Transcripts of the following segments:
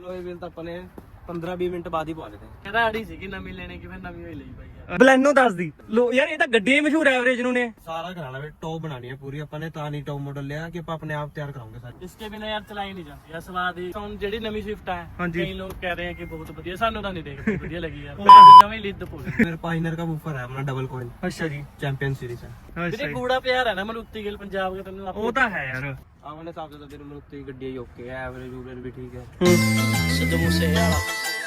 ਲੋਏ ਵੀਲ ਤਾਂ ਆਪਾਂ ਨੇ 15-20 ਮਿੰਟ ਬਾਅਦ ਹੀ ਪਾ ਲਏ ਕਹਿੰਦਾ ਆੜੀ ਸੀ ਕਿ ਨਵੀਂ ਲੈਣੇ ਕਿ ਫਿਰ ਨਵੀਂ ਹੋਈ ਲਈ ਬਾਈ ਯਾਰ। ਬਲੈਨੋ ਦੱਸ ਦੀ ਲੋ ਯਾਰ, ਇਹ ਤਾਂ ਗੱਡੀਆਂ ਹੀ ਮਸ਼ਹੂਰ ਐਵਰੇਜ ਨੂੰ ਨੇ। ਸਾਰਾ ਕਰਾਣਾ ਵੇ, ਟੌਪ ਬਣਾਣੀ ਹੈ ਪੂਰੀ ਆਪਾਂ ਨੇ, ਤਾਂ ਨਹੀਂ ਟੌਪ ਮਾਡਲ ਲਿਆ ਕਿ ਆਪਾਂ ਆਪਣੇ ਆਪ ਤਿਆਰ ਕਰਾਉਂਗੇ ਸਾਰੇ। ਇਸਕੇ ਬਿਨਾ ਯਾਰ ਚਲਾਈ ਨਹੀਂ ਜਾਂਦੀ ਯਾਰ ਸਵਾਦ ਹੀ। ਹੁਣ ਜਿਹੜੀ ਨਵੀਂ ਸਵਿਫਟ ਹੈ ਹਾਂਜੀ। ਕਈ ਲੋਕ ਕਹਿ ਰਹੇ ਹੈ ਕਿ ਬਹੁਤ ਵਧੀਆ, ਸਾਨੂੰ ਤਾਂ ਨਹੀਂ ਦੇਖਦੇ ਵਧੀਆ ਲੱਗੀ ਯਾਰ। ਉਹ ਜਮੇ ਲਿੱਦ ਪੂਰੀ मेरे पाइनर का बूफर है अपना डबल कॉइल, ਅੱਛਾ ਜੀ, चैंपियन सीरीज है। ਵੀਰੇ ਕੂੜਾ ਪਿਆਰ ਹੈ ਨਾ ਮਲੂਤੀ ਗਿੱਲ ਪੰਜਾਬ ਦੇ ਤੈਨੂੰ ਉਹ ਤਾਂ ਹੈ ਯਾਰ। अपने हिसाब से तो फिर मरुति गड्डी ओके है, एवरेज उवरेज भी ठीक है। ਸਿੱਧੂ ਮੂਸੇ ਵਾਲਾ।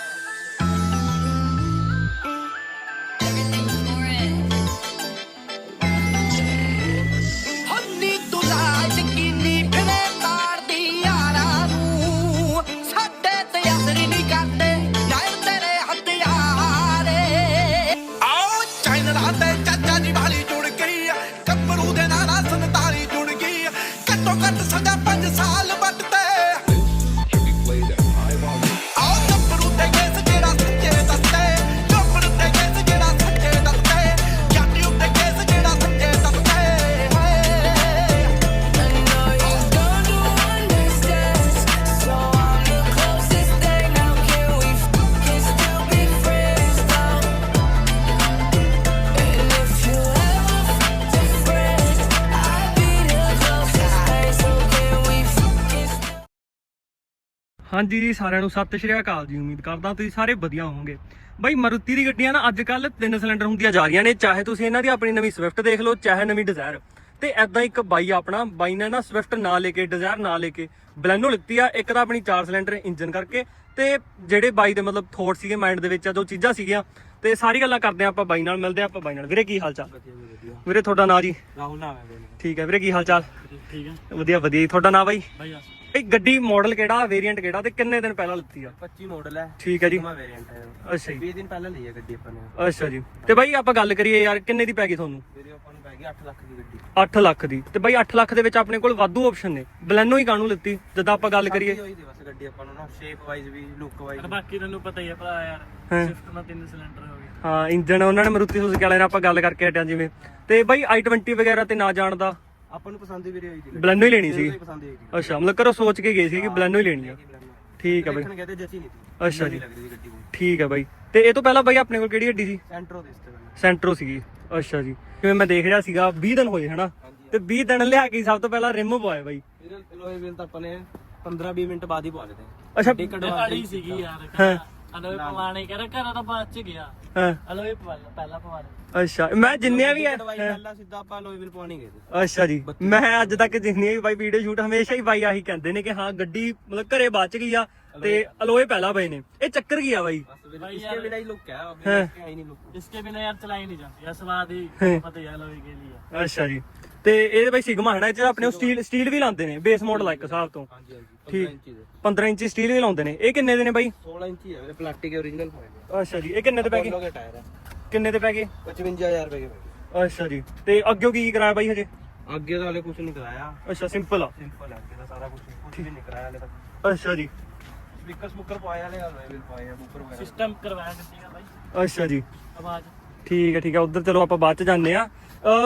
ਹਾਂਜੀ ਜੀ, ਸਾਰਿਆਂ ਨੂੰ ਸਤਿ ਸ਼੍ਰੀ ਅਕਾਲ ਜੀ। ਉਮੀਦ ਕਰਦਾ ਤੁਸੀਂ ਸਾਰੇ ਵਧੀਆ ਹੋਵੋਗੇ। ਬਾਈ ਮਾਰੂਤੀ ਦੀ ਗੱਡੀਆਂ ਨਾ ਅੱਜ ਕੱਲ 3 ਸਿਲੰਡਰ ਹੁੰਦੀਆਂ ਜਾ ਰਹੀਆਂ ਨੇ, ਚਾਹੇ ਤੁਸੀਂ ਇਹਨਾਂ ਦੀ ਆਪਣੀ ਨਵੀਂ ਸਵਿਫਟ ਦੇਖ ਲਓ, ਚਾਹੇ ਨਵੀਂ ਡਿਜ਼ਾਇਰ। ਤੇ ਐਦਾਂ ਇੱਕ ਬਾਈ ਨੇ ਨਾ ਸਵਿਫਟ ਨਾ ਲੈ ਕੇ, ਡਿਜ਼ਾਇਰ ਨਾ ਲੈ ਕੇ ਬਲੈਨੋ ਲਿੱਤੀ ਆ। ਇੱਕ ਤਾਂ ਆਪਣੀ 4 ਸਿਲੰਡਰ ਇੰਜਨ ਕਰਕੇ, ਤੇ ਜਿਹੜੇ ਬਾਈ ਦੇ ਮਤਲਬ ਥੋਟ ਸੀਗੇ ਮਾਈਂਡ ਦੇ ਵਿੱਚ, ਜੋ ਚੀਜ਼ਾਂ ਸੀਗੀਆਂ, ਤੇ ਸਾਰੀ ਗੱਲਾਂ ਕਰਦੇ ਆ ਆਪਾਂ ਬਾਈ ਨਾਲ। ਮਿਲਦੇ ਆ ਆਪਾਂ ਬਾਈ ਨਾਲ। ਵੀਰੇ ਕੀ ਹਾਲ ਚਾਲ? ਵੀਰੇ ਤੁਹਾਡਾ ਨਾਂ ਜੀ? राहुल नाम है मेरा। ਠੀਕ ਹੈ ਵੀਰੇ, ਕੀ ਹਾਲ ਚਾਲ? ਠੀਕ ਹੈ ਵਧੀਆ ਵਧੀਆ ਜੀ। ਤੁਹਾਡਾ ਨਾਂ ਬਾਈ? ਬਾਈ ਇਹ ਗੱਡੀ ਮਾਡਲ ਕਿਹੜਾ, ਵੇਰੀਐਂਟ ਕਿਹੜਾ, ਤੇ ਕਿੰਨੇ ਦਿਨ ਪਹਿਲਾਂ ਲਿੱਤੀ ਆ? 25 मॉडल है। ਠੀਕ ਹੈ ਜੀ। वेरिएंट है। ਅੱਛਾ ਜੀ, 20 दिन पहले ली है गड्डी अपन ने। ਅੱਛਾ ਜੀ। ਤੇ ਬਾਈ ਆਪਾਂ ਗੱਲ ਕਰੀਏ ਯਾਰ, ਕਿੰਨੇ ਦੀ ਪੈ ਗਈ ਤੁਹਾਨੂੰ? मेरी अपन ਨੂੰ ਪੈ ਗਈ 8 ਲੱਖ ਦੀ ਗੱਡੀ। 8 ਲੱਖ ਦੀ। ਤੇ ਬਾਈ 8 ਲੱਖ ਦੇ ਵਿੱਚ ਆਪਣੇ ਕੋਲ ਵਾਧੂ ਆਪਸ਼ਨ ਨੇ, ਬਲੈਨੋ ਹੀ ਕਾਹਨੂੰ ਲਿੱਤੀ ਜਦੋਂ ਆਪਾਂ ਗੱਲ ਕਰੀਏ? ਹੋਈ ਦੀ ਬਸ ਗੱਡੀ ਆਪਾਂ ਨੂੰ ਨਾ, ਸ਼ੇਪ ਵਾਈਜ਼ ਵੀ, ਲੁੱਕ ਵਾਈਜ਼। ਬਾਕੀ ਤੈਨੂੰ ਪਤਾ ਹੀ ਹੈ ਭਰਾ ਯਾਰ, ਹਾਂ। ਸਵਿਫਟ ਨਾਲ 3 ਸਿਲੰਡਰ ਹੋ ਗਏ। ਹਾਂ, ਇੰਜਨ ਉਹਨਾਂ ਨੇ ਮਾਰੂਤੀ ਸੁਜ਼ੂਕੀ ਵਾਲਿਆਂ ਨਾਲ ਆਪਾਂ ਗੱਲ ਕਰਕੇ ਹਟਿਆ ਜਿਵੇਂ। ਤੇ ਬਾਈ i20 ਵਗੈਰਾ ਤੇ ਨਾ ਜਾਣਦਾ, ਆਪਾਂ ਨੂੰ ਪਸੰਦ ਵੀ ਹੋਈ ਦੀ, ਬਲੈਨੋ ਹੀ ਲੈਣੀ ਸੀ। ਪਸੰਦ ਹੋਈ। ਅੱਛਾ, ਮਤਲਬ ਘਰੋਂ ਸੋਚ ਕੇ ਗਏ ਸੀ ਕਿ ਬਲੈਨੋ ਹੀ ਲੈਣੀ ਆ। ਠੀਕ ਹੈ ਬਾਈ। ਦੇਖਣ ਗਏ ਤੇ ਜੱਚੀ ਨਹੀਂ ਸੀ। ਅੱਛਾ ਜੀ, ਲੱਗ ਰਹੀ ਸੀ ਗੱਡੀ ਨੂੰ। ਠੀਕ ਹੈ ਬਾਈ। ਤੇ ਇਹ ਤੋਂ ਪਹਿਲਾਂ ਬਾਈ ਆਪਣੇ ਕੋਲ ਕਿਹੜੀ ਗੱਡੀ ਸੀ? ਸੈਂਟਰੋ ਦੇ ਇਸ ਤੇ। ਸੈਂਟਰੋ ਸੀਗੀ। ਅੱਛਾ ਜੀ, ਜਿਵੇਂ ਮੈਂ ਦੇਖ ਰਿਹਾ ਸੀਗਾ 20 ਦਿਨ ਹੋਏ ਹਨਾ, ਤੇ 20 ਦਿਨ ਲਿਆ ਕੇ ਸਭ ਤੋਂ ਪਹਿਲਾਂ ਰਿਮ ਪਵਾਏ ਬਾਈ। ਲੋਏ ਵੀਲ ਤਾਂ ਆਪਾਂ ਨੇ 15-20 ਮਿੰਟ ਬਾਅਦ ਹੀ ਪਵਾ ਲਏ। ਅੱਛਾ, ਆੜੀ ਸੀਗੀ ਯਾਰ। ਹਾਂ। ਅਲੋਏ ਪਵਾਣੇ ਕਹਿੰਦਾ ਘਰਾਂ ਤਾਂ ਬਾਅਦ ਚ ਗਿਆ। ਹਾਂ, ਅਲੋਏ ਪਹਿਲਾਂ ਪਵਾਣੇ। ਅੱਛਾ। ਮੈਂ ਜਿੰਨੀਆਂ ਵੀ ਪਹਿਲਾਂ ਸਿੱਧਾ ਆਪਾਂ ਲੋਏ ਵੀਲ ਪਵਾਣੀ ਗਏ ਸੀ। ਅੱਛਾ ਜੀ, ਮੈਂ ਅੱਜ ਤੱਕ ਜਿੰਨੀਆਂ ਵੀ ਬਾਈ ਵੀਡੀਓ ਸ਼ੂਟ ਹਮੇਸ਼ਾ ਹੀ ਬਾਈ ਆਹੀ ਕਹਿੰਦੇ ਨੇ ਕਿ ਹਾਂ ਗੱਡੀ ਮਤਲਬ ਘਰੇ ਬਚ ਗਈ ਆ ਤੇ ਅਲੋਏ ਪਹਿਲਾਂ ਪਏ ਨੇ। ਇਹ ਚੱਕਰ ਕੀ ਆ ਬਾਈ? इसके बिना ही लुक है, अभी इसके ही नहीं लुक। ਇਸਕੇ ਬਿਨਾ ਯਾਰ ਚਲਾਈ ਨਹੀਂ ਜਾਂਦੀ ਯਾਰ ਸਵਾਦ ਹੀ। ਪਤਾ ਹੀ ਅਲੋਏ ਕੇ ਲਈ ਆ। ਅੱਛਾ ਜੀ। ਤੇ ਇਹਦੇ ਬਾਈ ਸਿਗਮਾ ਹੈ ਨਾ, ਇਹ 'ਚ ਆਪਣੇ ਸਟੀਲ ਵੀ ਲਾਉਂਦੇ ਨੇ, ਬੇਸ ਮਾਡਲ ਆ ਇੱਕ ਹਿਸਾਬ ਤੋਂ। ਹਾਂਜੀ ਹਾਂਜੀ। ਠੀਕ, 15 ਇੰਚੀ ਸਟੀਲ ਵੀ ਲਾਉਂਦੇ ਨੇ। ਇਹ ਕਿੰਨੇ ਦੇ ਨੇ ਬਾਈ? 16 ਇੰਚੀ ਹੈ ਮੇਰੇ ਪਲਾਸਟਿਕ ओरिजिनल ਹੋਏ। ਅੱਛਾ ਜੀ, ਇਹ ਕਿੰਨੇ ਦੇ ਪੈ ਗਏ? ਲੋਗੇ ਟਾਇਰ ਹੈ। ਕਿੰਨੇ ਦੇ ਪੈ ਗਏ? 55000 ਰੁਪਏ ਦੇ। ਅੱਛਾ ਜੀ। ਤੇ ਅੱਗੇ ਕੀ ਕਰਾਇਆ ਬਾਈ ਹਜੇ? ਅੱਗੇ ਤਾਂ ਹਲੇ ਕੁਝ ਨਹੀਂ ਕਰਾਇਆ, ਅੱਛਾ, ਸਿੰਪਲ ਆ। ਸਿੰਪਲ ਹੈ ਅੱਗੇ ਦਾ ਸਾਰਾ ਕੁਝ ਵੀ ਨਹੀਂ ਕਰਾਇਆ ਹਲੇ ਤੱਕ। ਅੱਛਾ ਜੀ, ਸਪੀਕਰ ਸਮੂਕਰ ਪਾਇਆ ਹਲੇ, ਲੋਏ ਵੀਲ ਪਾਏ ਆ, ਬੂਫਰ ਵਗੈਰਾ। ਸਿਸਟਮ ਕਰਵਾਇਆ ਗੱਡੀ ਦਾ ਬਾਈ। ਅੱਛਾ ਜੀ, ਆਵਾਜ਼ ਠੀਕ ਹੈ ਠੀਕ ਹੈ। ਉਧਰ ਚਲੋ ਆਪਾਂ ਬਾਅਦ ਚ ਜਾਂਦੇ ਆ।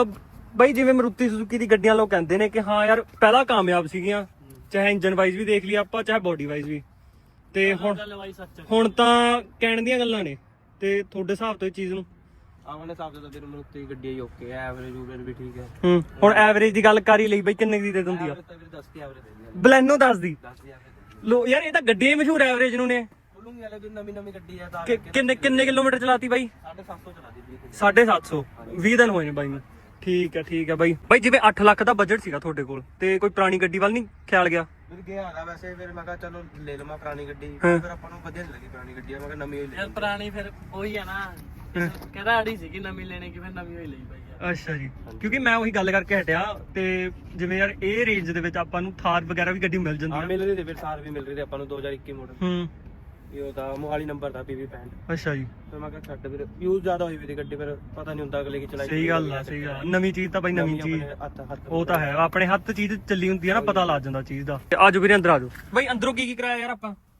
ਬਾਈ ਜਿਵੇਂ ਮਾਰੂਤੀ ਸੁਜ਼ੂਕੀ ਦੀ ਗੱਡੀਆਂ ਲੋਕ ਕਹਿੰਦੇ ਨੇ ਕਿ ਹਾਂ ਯਾਰ ਪਹਿਲਾਂ ਕਾਮਯਾਬ ਸੀਗੀਆਂ, ਚਾਹੇ ਇੰਜਨ ਵਾਈਜ਼ ਵੀ ਦੇਖ ਲਈ ਆਪਾਂ, ਚਾਹੇ ਬੋਡੀ ਵਾਈਜ਼ ਵੀ। ਤੇ ਗੱਲ ਬਾਈ ਸੱਚ। ਹੁਣ ਤਾਂ ਕਹਿਣ ਦੀਆਂ ਗੱਲਾਂ ਨੇ। ਤੇ ਤੁਹਾਡੇ ਹਿਸਾਬ ਤੋਂ ਇਹ ਚੀਜ਼ ਨੂੰ? ਆਪਣੇ ਹਿਸਾਬ ਤੋਂ ਤਾਂ ਫਿਰ ਮਰੂਤੀ ਗੱਡੀ ਹੀ ਓਕੇ ਹੈ, ਐਵਰੇਜ ਉਵਰੇਜ ਵੀ ਠੀਕ ਹੈ। ਹੁਣ ਐਵਰੇਜ ਦੀ ਗੱਲ ਕਰ ਹੀ ਲਈ ਬਾਈ, ਕਿੰਨੇ ਦੀ ਦੇ ਦਿੰਦੀ ਆ? ਤਾਂ ਫਿਰ 10 ਦੀ ਐਵਰੇਜ ਦੇ ਦਿੰਦੀ ਬਲੈਨੋ ਦੱਸ ਦੀ ਹੈ। 10 ਦੀ ਐਵਰੇਜ ਲੋ ਯਾਰ, ਇਹ ਤਾਂ ਗੱਡੀਆਂ ਹੀ ਮਸ਼ਹੂਰ ਐਵਰੇਜ ਨੂੰ ਨੇ। ਬੋਲੂੰਗੀ ਹਲੇ ਵੀ ਨਵੀਂ ਗੱਡੀ ਹੈ ਤਾਂ ਕਿੰਨੇ ਕਿਲੋਮੀਟਰ ਚਲਾਤੀ ਬਾਈ? 750 ਚਲਾ ਦਿੱਤੀ। 750। 20 ਦਿਨ ਹੋਏ ਨੇ ਬਾਈ ਨੂੰ। ਠੀਕ ਹੈ ਬਾਈ। ਬਾਈ ਜਿਵੇਂ 8 ਲੱਖ ਦਾ ਬਜਟ ਸੀਗਾ ਤੁਹਾਡੇ ਕੋਲ, ਤੇ ਕੋਈ ਪੁਰਾਣੀ ਗੱਡੀ ਵੱਲ ਨਹੀਂ ਖਿਆਲ ਗਿਆ? ਫਿਰ ਗਿਆ ਹੈਗਾ ਵੈਸੇ, ਫਿਰ ਮੈਂ ਕਿਹਾ ਚਲੋ ਲੈ ਲਵਾਂ ਪੁਰਾਣੀ ਗੱਡੀ। ਫਿਰ ਆਪਾਂ ਨੂੰ ਵਧੀਆ ਨਹੀਂ ਲੱਗੀ ਪੁਰਾਣੀ ਗੱਡੀ, ਮੈਂ ਕਿਹਾ ਨਵੀਂ ਹੋਈ ਲੈ। ਯਾਰ ਪੁਰਾਣੀ ਫਿਰ ਉਹੀ ਆ ਨਾ, ਕਹਿੰਦਾ ਆੜੀ ਸੀ ਕਿ ਨਵੀਂ ਲੈਣੇ ਕਿ ਫਿਰ ਨਵੀਂ ਹੋਈ ਲਈ ਬਾਈ ਯਾਰ। ਅੱਛਾ ਜੀ, ਕਿਉਂਕਿ ਮੈਂ ਉਹੀ ਗੱਲ ਕਰਕੇ ਹਟਿਆ। ਤੇ ਜਿਵੇਂ ਯਾਰ ਇਹ ਰੇਂਜ ਦੇ ਵਿੱਚ ਆਪਾਂ ਨੂੰ ਥਾਰ ਵਗੈਰਾ ਵੀ ਗੱਡੀ ਮਿਲ ਜਾਂਦੀ ਹਾਂ ਹੈ। ਮਿਲ ਰਹੀ ਤੇ ਫਿਰ ਸਾਰ ਵੀ ਮਿਲ ਰਹੀ ਤੇ ਆਪਾਂ ਨੂੰ 2021 ਮਾਡਲ। ਇਹ ਉਹਦਾ ਮੋਹਾਲੀ ਨੰਬਰ ਦਾ PV 65। ਅੱਛਾ ਜੀ, ਫਿਰ ਮੈਂ ਕਿਹਾ ਛੱਡ, ਫਿਰ ਯੂਜ਼ ਜ਼ਿਆਦਾ ਹੋਈ ਵੀ ਗੱਡੀ, ਫਿਰ ਪਤਾ ਨਹੀਂ ਹੁੰਦਾ ਅਗਲੇ ਕੀ ਚਲਾਈ। ਸਹੀ ਗੱਲ ਆ। ਨਵੀਂ ਚੀਜ਼ ਤਾਂ ਬਾਈ ਨਵੀਂ ਚੀਜ਼, ਉਹ ਤਾਂ ਹੈ। ਆਪਣੇ ਹੱਥ ਚੀਜ਼ ਚੱਲੀ ਹੁੰਦੀ ਹੈ ਨਾ, ਪਤਾ ਲੱਗ ਜਾਂਦਾ ਚੀਜ਼ ਦਾ। ਆਜੋ ਵੀਰੇ ਅੰਦਰ ਆਜੋ। ਬਾਈ ਅੰਦਰੋਂ ਕੀ ਕਰਾਇਆ ਯਾਰ ਆਪਾਂ?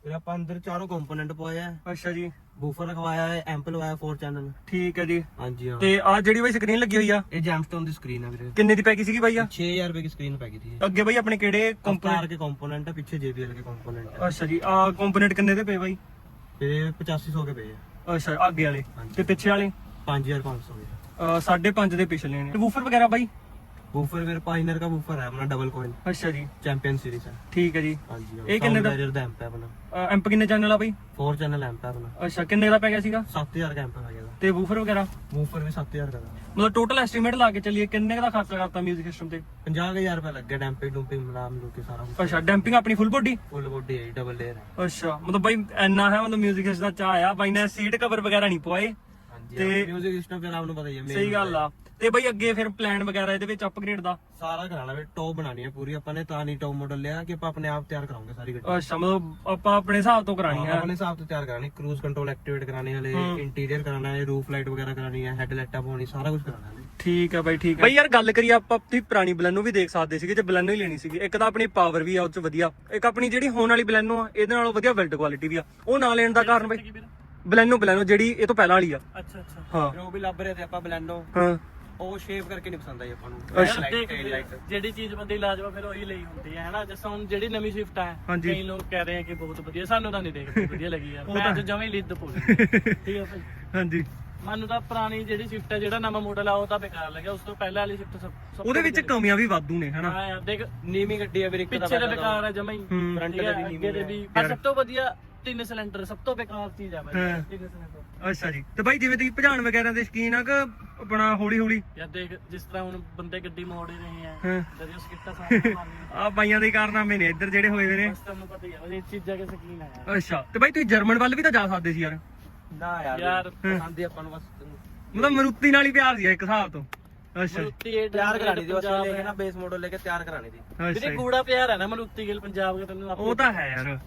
ਫਿਰ ਆਪਾਂ ਅੰਦਰ ਚਾਰੋਂ ਕੰਪੋਨੈਂਟ ਪਵਾਏ ਆ, ਅੱਛਾ ਜੀ, ਬੂਫਰ ਲਗਵਾਇਆ ਹੈ, ਐਂਪ ਲਵਾਇਆ 4 ਚੈਨਲ। ਠੀਕ ਹੈ ਜੀ। ਹਾਂਜੀ ਹਾਂ। ਤੇ ਆ ਜਿਹੜੀ ਬਾਈ ਸਕਰੀਨ ਲੱਗੀ ਹੋਈ ਆ ਇਹ ਜੈਮਸਟੋਨ ਦੀ ਸਕਰੀਨ ਹੈ ਵੀਰੇ। ਕਿੰਨੇ ਦੀ ਪੈ ਗਈ ਸੀਗੀ ਬਾਈ ਆ? 6000 रुपए की स्क्रीन पै गई थी। ਅੱਗੇ ਬਾਈ ਆਪਣੇ ਕਿਹੜੇ कंपोनेंट के कंपोनेंट है, पीछे JBL के कंपोनेंट है। ਅੱਛਾ ਜੀ, ਆ ਕੰਪੋਨੈਂਟ ਕਿੰਨੇ ਦੇ ਪਏ ਬਾਈ? ये 8500 के पे है। ਅੱਛਾ, ਅੱਗੇ ਵਾਲੇ ਹਾਂਜੀ। ਤੇ ਪਿੱਛੇ ਵਾਲੇ 5500 के। 5.5 ਦੇ ਪਿਛਲੇ ਨੇ। ਵੂਫਰ ਵਗੈਰਾ ਬਾਈ? बूफर फिर पाइनर का बूफर है अपना, डबल कॉइल ਅੱਛਾ ਜੀ, चैंपियन सीरीज है। ਠੀਕ ਹੈ ਜੀ। ਹਾਂਜੀ ਇਹ ਕਿੰਨੇ ਦਾ? बैरियर दा एम्प है अपना। ਐਂਪ ਕਿੰਨੇ ਚੈਨਲ ਆ ਬਾਈ? 4 चैनल एम्प है अपना। ਅੱਛਾ, ਕਿੰਨੇ ਦਾ ਪੈ ਗਿਆ ਸੀਗਾ? 7000 का एम्प है ये। ਤੇ ਵੂਫਰ ਵਗੈਰਾ? बूफर भी 7000 का था। ਮਤਲਬ ਟੋਟਲ ਐਸਟੀਮੇਟ ਲਾ ਕੇ ਚੱਲੀਏ ਕਿੰਨੇ ਕੁ ਦਾ ਖਰਚਾ ਕਰਤਾ 뮤직 ਸਿਸਟਮ ਤੇ? 50000 रुपए लग गया डैम्पिंग डूम्पिंग मिला मिलू के सारा कुछ। ਅੱਛਾ, ਡੈਂਪਿੰਗ ਆਪਣੀ ਫੁੱਲ ਬੋਡੀ? फुल बॉडी है, डबल लेयर है। ਅੱਛਾ, ਮਤਲਬ ਬਾਈ ਇੰਨਾ ਹੈ, ਮਤਲਬ 뮤직 ਸਿਸਟਮ ਦਾ ਚਾਹ ਆ ਬਾਈ ਨੇ, ਸੀਟ ਕਵਰ ਵਗੈਰਾ ਨਹੀਂ ਪਵਾਏ। ਹਾਂਜੀ ਤੇ म्यूजिक सिस्टम फिर आपको पता ही है। ਸਹੀ ਗੱਲ ਆ। ਤੇ ਬਾਈ ਅੱਗੇ ਫਿਰ ਪਲਾਨ ਵਗੈਰਾ ਇਹਦੇ ਵਿੱਚ ਅਪਗ੍ਰੇਡ ਦਾ? ਸਾਰਾ ਕਰਾਣਾ ਵੀ ਟੌਪ ਬਣਾਣੀ ਹੈ ਪੂਰੀ ਆਪਾਂ ਨੇ, ਤਾਂ ਨਹੀਂ ਟੌਪ ਮਾਡਲ ਲਿਆ ਕਿ ਆਪਾਂ ਆਪਣੇ ਆਪ ਤਿਆਰ ਕਰਾਉਂਗੇ ਸਾਰੀ ਗੱਡੀ। ਅੱਛਾ, ਮਤਲਬ ਆਪਾਂ ਆਪਣੇ ਹਿਸਾਬ ਤੋਂ ਕਰਾਣੀ ਹੈ? ਆਪਣੇ ਹਿਸਾਬ ਤੋਂ ਤਿਆਰ ਕਰਾਣੀ, ਕਰੂਜ਼ ਕੰਟਰੋਲ ਐਕਟੀਵੇਟ ਕਰਾਣੇ ਵਾਲੇ, ਇੰਟੀਰੀਅਰ ਕਰਾਣਾ ਹੈ, ਰੂਫ ਲਾਈਟ ਵਗੈਰਾ ਕਰਾਣੀ ਹੈ, ਹੈਡ ਲਾਈਟਾਂ ਪਾਉਣੀ, ਸਾਰਾ ਕੁਝ ਕਰਾਣਾ ਹੈ। ਠੀਕ ਹੈ ਬਾਈ, ਠੀਕ ਹੈ ਬਾਈ। ਯਾਰ ਗੱਲ ਕਰੀਏ ਆਪਾਂ ਆਪਣੀ ਪੁਰਾਣੀ ਬਲੈਨੋ ਵੀ ਦੇਖ ਸਕਦੇ ਸੀਗੇ ਜੇ ਬਲੈਨੋ ਹੀ ਲੈਣੀ ਸੀਗੀ। ਇੱਕ ਤਾਂ ਆਪਣੀ ਪਾਵਰ ਵੀ ਆ ਉਹ ਚ ਵਧੀਆ, ਇੱਕ ਆਪਣੀ ਜਿਹੜੀ ਹੋਣ ਵਾਲੀ ਬਲੈਨੋ ਆ ਇਹਦੇ ਨਾਲੋਂ ਵਧੀਆ ਬਿਲਡ ਕੁਆਲਿਟੀ ਵੀ ਆ। ਉਹ ਨਾ ਲੈਣ ਦਾ ਕਾਰਨ ਬਾਈ? ਬਲੈਨੋ ਜਿਹੜੀ ਇਹ ਤੋਂ ਪਹਿਲਾਂ ਵਾਲੀ ਆ। ਅੱਛਾ ਅੱਛਾ। ਹਾਂ ਫਿਰ ਉਹ ਵੀ ਲੱਭ ਰਹੇ ਤੇ ਆਪਾਂ ਬਲੈਂਡੋ, ਹਾਂ। ਉਹ ਸ਼ੇਪ ਕਰਕੇ ਨਹੀਂ ਪਸੰਦ ਆਈ ਆਪਾਂ ਨੂੰ। ਯਾਰ ਦੇਖ ਜਿਹੜੀ ਚੀਜ਼ ਬੰਦੇ ਲਾਜਵਾ ਫਿਰ ਉਹੀ ਲਈ ਹੁੰਦੀ ਹੈ ਹਨਾ। ਜਿਸ ਹੁਣ ਜਿਹੜੀ ਨਵੀਂ ਸਵਿਫਟ ਹੈ, ਹਾਂਜੀ। ਕਈ ਲੋਕ ਕਹਿ ਰਹੇ ਆ ਕਿ ਬਹੁਤ ਵਧੀਆ, ਸਾਨੂੰ ਤਾਂ ਨਹੀਂ ਦੇਖਦੇ ਵਧੀਆ ਲੱਗੀ ਯਾਰ। ਉਹ ਮੈਂ ਤਾਂ ਤਾਂ ਜਮਾਂ ਹੀ ਲਿੱਦ ਪੂਰੀ। ਠੀਕ ਹੈ ਭਾਈ। ਹਾਂਜੀ, ਮੈਨੂੰ ਤਾਂ ਪੁਰਾਣੀ ਜਿਹੜੀ ਸਵਿਫਟ ਹੈ, ਜਿਹੜਾ ਨਵਾਂ ਮਾਡਲ ਆ ਉਹ ਤਾਂ ਬੇਕਾਰ ਲੱਗਿਆ। ਉਸ ਤੋਂ ਪਹਿਲਾਂ ਵਾਲੀ ਸਵਿਫਟ ਸਭ ਉਹਦੇ ਵਿੱਚ ਕਮੀਆਂ ਵੀ ਵਾਧੂ ਨੇ ਹਨਾ। ਹਾਂ ਯਾਰ ਦੇਖ, ਨੀਵੀਂ ਗੱਡੀ ਹੈ ਵੀਰੇ, ਇੱਕ ਪਿੱਛੇ ਦੇ ਬੇਕਾਰ ਹੈ ਜਮਾਂ ਹੀ, ਫਰੰਟ ਠੀਕ ਦੇ ਹੈ, ਵੀ ਅੱਗੇ ਦੇ ਵੀ। ਪਰ ਸਭ ਤੋਂ ਵਧੀਆ 3 ਸਿਲੰਡਰ, ਸਭ ਤੋਂ ਬੇਕਾਰ ਚੀਜ਼ ਆ ਭਾਈ 3 ਸਿਲੰਡਰ। ਅੱਛਾ ਜੀ। ਤੇ ਬਾਈ ਜਿਵੇਂ ਤੁਸੀਂ ਭਜਾਣ ਵਗੈਰਾ ਦੇ ਸ਼ਕੀਨ ਆ ਕਿ ਆਪਣਾ ਹੌਲੀ ਹੌਲੀ? ਯਾਰ ਦੇਖ, ਜਿਸ ਤਰ੍ਹਾਂ ਹੁਣ ਬੰਦੇ ਗੱਡੀ ਮੋੜ ਹੀ ਰਹੇ ਆ, ਹਾਂ। ਜਦ ਉਹ ਸਕਿੱਟਾ ਸਾਹਮਣੇ ਮਾਰਨੀ ਆ ਬਾਈਆਂ ਦੇ ਕਾਰਨਾਮੇ ਨੇ ਇੱਧਰ ਜਿਹੜੇ ਹੋਏ ਹੋਏ ਨੇ। ਬਸ ਤੁਹਾਨੂੰ ਪਤਾ ਹੀ ਆ ਇਹ ਚੀਜ਼ਾਂ ਕੇ ਸ਼ਕੀਨ ਆ ਯਾਰ। ਅੱਛਾ, ਤੇ ਬਾਈ ਤੁਸੀਂ ਜਰਮਨ ਵੱਲ ਵੀ ਤਾਂ ਜਾ ਸਕਦੇ ਸੀ ਯਾਰ। ਨਾ ਯਾਰ ਪਸੰਦ ਹੀ ਆਪਾਂ ਨੂੰ ਬਸ ਮਤਲਬ ਮਰੂਤੀ ਨਾਲ ਹੀ ਪਿਆਰ ਸੀ ਇੱਕ ਹਿਸਾਬ ਤੋਂ। ਅੱਛਾ ਮਲੂਤੀ ਇਹ ਤਿਆਰ ਕਰਾਣੀ ਦੀ, ਬਸ ਪੰਜਾਬ ਲੈ ਕੇ ਨਾ ਬੇਸ ਮਾਡਲ ਲੈ ਕੇ ਤਿਆਰ ਕਰਾਣੀ ਦੀ। ਅੱਛਾ ਵੀਰੇ ਜੀ। ਕੂੜਾ ਪਿਆਰ ਹੈ ਨਾ ਮਲੂਤੀ ਗਿਲ ਪੰਜਾਬ ਦਾ, ਤੈਨੂੰ ਉਹ ਤਾਂ ਹੈ ਯਾਰ।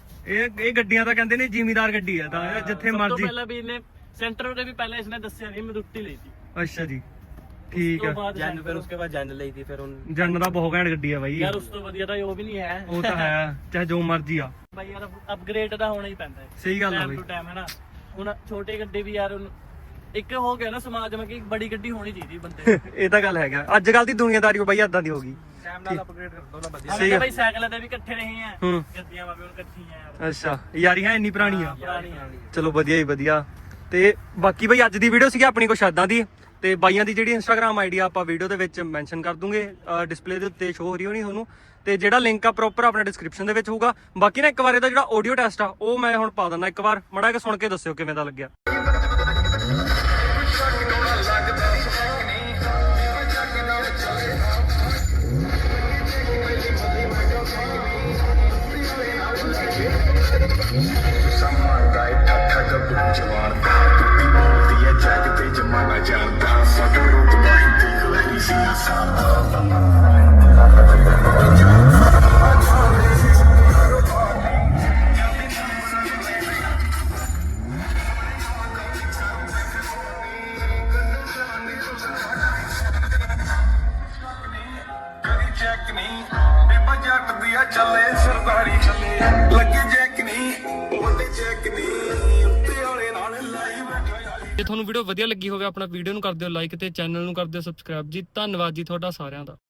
ਇਹ ਗੱਡੀਆਂ ਤਾਂ ਕਹਿੰਦੇ ਨੇ ਜ਼ਿਮੀਦਾਰ ਗੱਡੀ ਆ ਤਾਂ ਜਿੱਥੇ ਸਭ ਤੋਂ ਮਰਜ਼ੀ। ਪਹਿਲਾਂ ਵੀ ਇਹਨੇ ਸੈਂਟਰ ਦੇ ਵੀ ਪਹਿਲਾਂ ਇਸਨੇ ਦੱਸਿਆ ਨਹੀਂ ਮਲੂਤੀ ਲਈ ਸੀ। ਅੱਛਾ ਜੀ, ਠੀਕ ਆ। ਜੈਨ, ਫਿਰ ਉਸਕੇ ਬਾਅਦ ਜੈਨ ਲਈ ਥੀ, ਫਿਰ ਹੁਣ ਜਨ ਦਾ ਬਹੁਤ ਘੈਂਟ ਗੱਡੀ ਆ ਬਾਈ। ਯਾਰ ਉਸ ਤੋਂ ਵਧੀਆ ਤਾਂ ਉਹ ਵੀ ਨਹੀਂ ਹੈ। ਉਹ ਤਾਂ ਹੈ, ਚਾਹੇ ਜੋ ਮਰਜ਼ੀ ਆ ਬਾਈ ਯਾਰ ਅਪਗ੍ਰੇਡ ਤਾਂ ਹੋਣਾ ਹੀ ਪੈਂਦਾ ਹੈ। ਸਹੀ ਗੱਲ ਆ ਟਾਈਮ ਬਾਈ। ਟੂ ਟਾਈਮ ਹੈ ਨਾ। ਹੁਣ ਛੋਟੀ ਗੱਡੀ ਵੀ ਯਾਰ ਇੱਕ ਹੋ ਗਿਆ ਨਾ ਸਮਾਜ ਵਿੱਚ ਕਿ ਬੜੀ ਗੱਡੀ ਹੋਣੀ ਚਾਹੀਦੀ ਬੰਦੇ ਇਹ ਤਾਂ ਗੱਲ ਹੈਗਾ। ਅੱਜ ਕੱਲ ਦੀ ਦੁਨੀਆਦਾਰੀ ਬਾਈ ਏਦਾਂ ਦੀ ਹੋ ਗਈ। ਟਾਈਮ ਨਾਲ ਅਪਗ੍ਰੇਡ ਕਰ ਦੋ ਨਾ ਵਧੀਆ। ਸਹੀ ਅਸੀਂ ਆ। ਬਾਈ ਸਾਈਕਲਾਂ ਤੇ ਵੀ ਇਕੱਠੇ ਰਹੇ ਆ, ਹੂੰ। ਗੱਡੀਆਂ ਵੀ ਹੁਣ ਇਕੱਠੀਆਂ ਯਾਰ। ਅੱਛਾ, ਯਾਰੀਆਂ ਇੰਨੀ ਪੁਰਾਣੀਆਂ। ਪੁਰਾਣੀਆਂ। ਚਲੋ ਵਧੀਆ ਹੀ ਵਧੀਆ। ਤੇ ਬਾਕੀ ਬਈ ਅੱਜ ਦੀ ਵੀਡੀਓ ਸੀਗੀ ਆਪਣੀ ਕੁਛ ਏਦਾਂ ਦੀ। ਤੇ ਬਾਈਆਂ ਦੀ ਜਿਹੜੀ ਇੰਸਟਾਗ੍ਰam ਆਈਡੀ ਆਪਾਂ ਵੀਡੀਓ ਦੇ ਵਿੱਚ ਮੈਂਸ਼ਨ ਕਰ ਦੂੰਗੇ, ਡਿਸਪਲੇ ਦੇ ਉੱਤੇ ਸ਼ੋ ਹੋ ਰਹੀ ਹੋਣੀ ਤੁਹਾਨੂੰ। ਤੇ ਜਿਹੜਾ ਲਿੰਕ ਆ ਪ੍ਰੋਪਰ ਆਪਣਾ ਡਿਸਕ੍ਰਿਪਸ਼ਨ ਦੇ ਵਿੱਚ ਹੋਊਗਾ। ਬਾਕੀ ਨਾ ਇੱਕ ਵਾਰ ਇਹਦਾ ਜਿਹੜਾ ਆਡੀਓ ਟੈਸਟ ਆ ਉਹ ਮੈਂ ਹੁਣ ਪਾ ਦਿੰਦਾ, ਇੱਕ ਵਾਰ ਮਾੜਾ ਜਿਹਾ ਸੁਣ ਕੇ ਦੱਸਿਓ ਕਿਵੇਂ ਦਾ ਲੱਗਿਆ। ਚੱਲੇ ਸਰਦਾਰੀ ਚੱਲੇ ਲੱਗੀ ਜੈਕ ਨਹੀਂ ਉਹਦੇ ਜੈਕ ਨਹੀਂ ਉੱਤੇ ਵਾਲੇ ਨਾਲ ਲਾਈ ਬੈਠਾ। ਜੇ ਤੁਹਾਨੂੰ ਵੀਡੀਓ ਵਧੀਆ ਲੱਗੀ ਹੋਵੇ ਆਪਣਾ ਵੀਡੀਓ ਨੂੰ ਕਰ ਦਿਓ ਲਾਈਕ ਤੇ ਚੈਨਲ ਨੂੰ ਕਰ ਦਿਓ ਸਬਸਕ੍ਰਾਈਬ ਜੀ। ਧੰਨਵਾਦ ਜੀ ਤੁਹਾਡਾ ਸਾਰਿਆਂ ਦਾ।